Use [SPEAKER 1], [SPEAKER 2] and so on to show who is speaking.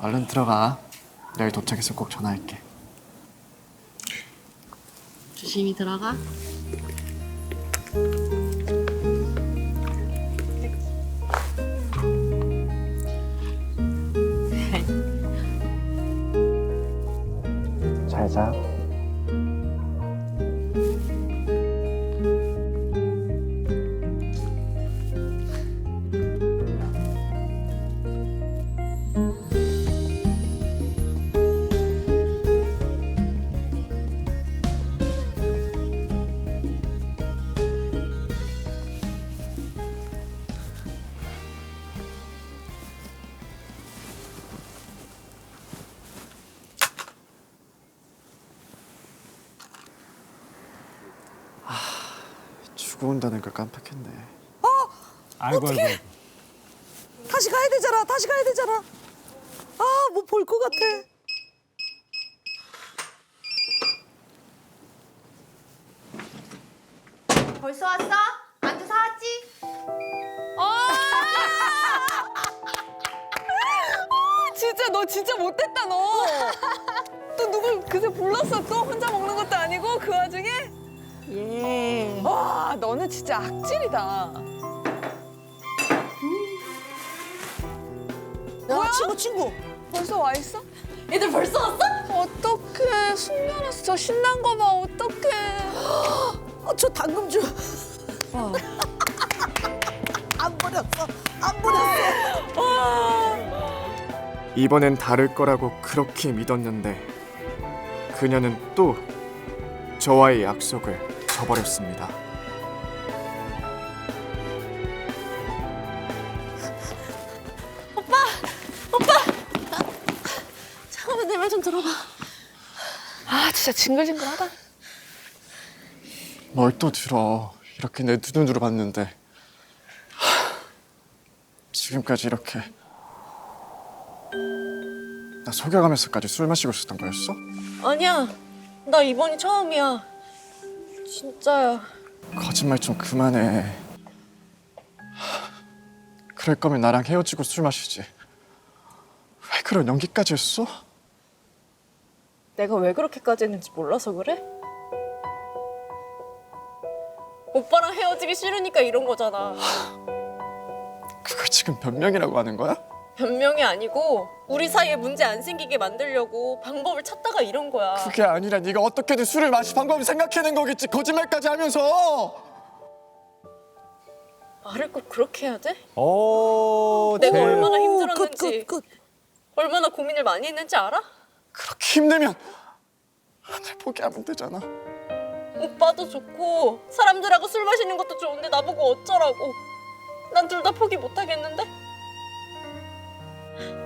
[SPEAKER 1] 얼른 들어가. 내일 도착해서 꼭 전화할게.
[SPEAKER 2] 조심히 들어가.
[SPEAKER 1] 잘 자. 주고 온다는 걸 깜빡했네.
[SPEAKER 3] 아이고 아이고.
[SPEAKER 4] 다시 가야 되잖아. 다시 가야 되잖아. 아, 뭐 볼 것 같아.
[SPEAKER 5] 벌써 왔어? 안주 사왔지?
[SPEAKER 6] 진짜 너 진짜 못됐다 너. 또 누굴 그새 불렀어 또 혼자 먹는 것도 아니고 그 와중에.
[SPEAKER 2] 예.
[SPEAKER 6] 와 너는 진짜 악질이다.
[SPEAKER 4] 야, 친구.
[SPEAKER 6] 벌써 와 있어?
[SPEAKER 5] 애들 벌써 왔어?
[SPEAKER 6] 어떡해 숙면했어 저 신난 거 봐 어떡해.
[SPEAKER 4] 저 당금 줘. 안 버렸어. 안 버렸어.
[SPEAKER 1] 이번엔 다를 거라고 그렇게 믿었는데 그녀는 또 저와의 약속을 저버렸습니다.
[SPEAKER 2] 잠깐만 내 말 좀 들어봐.
[SPEAKER 6] 아 진짜 징글징글하다.
[SPEAKER 1] 뭘 또 들어. 이렇게 내 두 눈으로 봤는데 지금까지 이렇게 나 속여가면서까지 술 마시고 있었던 거였어?
[SPEAKER 2] 아니야. 나 이번이 처음이야. 진짜야.
[SPEAKER 1] 거짓말 좀 그만해. 그럴 거면 나랑 헤어지고 술 마시지. 왜 그런 연기까지 했어?
[SPEAKER 2] 내가 왜 그렇게까지 했는지 몰라서 그래? 오빠랑 헤어지기 싫으니까 이런 거잖아.
[SPEAKER 1] 그걸 지금 변명이라고 하는 거야?
[SPEAKER 2] 변명이 아니고 우리 사이에 문제 안 생기게 만들려고 방법을 찾다가 이런 거야.
[SPEAKER 1] 그게 아니라 네가 어떻게든 술을 마실 방법을 생각해낸 거겠지. 거짓말까지 하면서.
[SPEAKER 2] 말을 꼭 그렇게 해야 돼?
[SPEAKER 3] 오.
[SPEAKER 2] 내가
[SPEAKER 3] 제일-
[SPEAKER 2] 얼마나
[SPEAKER 4] 끝,
[SPEAKER 2] 힘들었는지
[SPEAKER 4] 끝.
[SPEAKER 2] 얼마나 고민을 많이 했는지 알아?
[SPEAKER 1] 그렇게 힘들면 날 포기하면 되잖아.
[SPEAKER 2] 오빠도 좋고 사람들하고 술 마시는 것도 좋은데 나보고 어쩌라고. 난 둘 다 포기 못 하겠는데?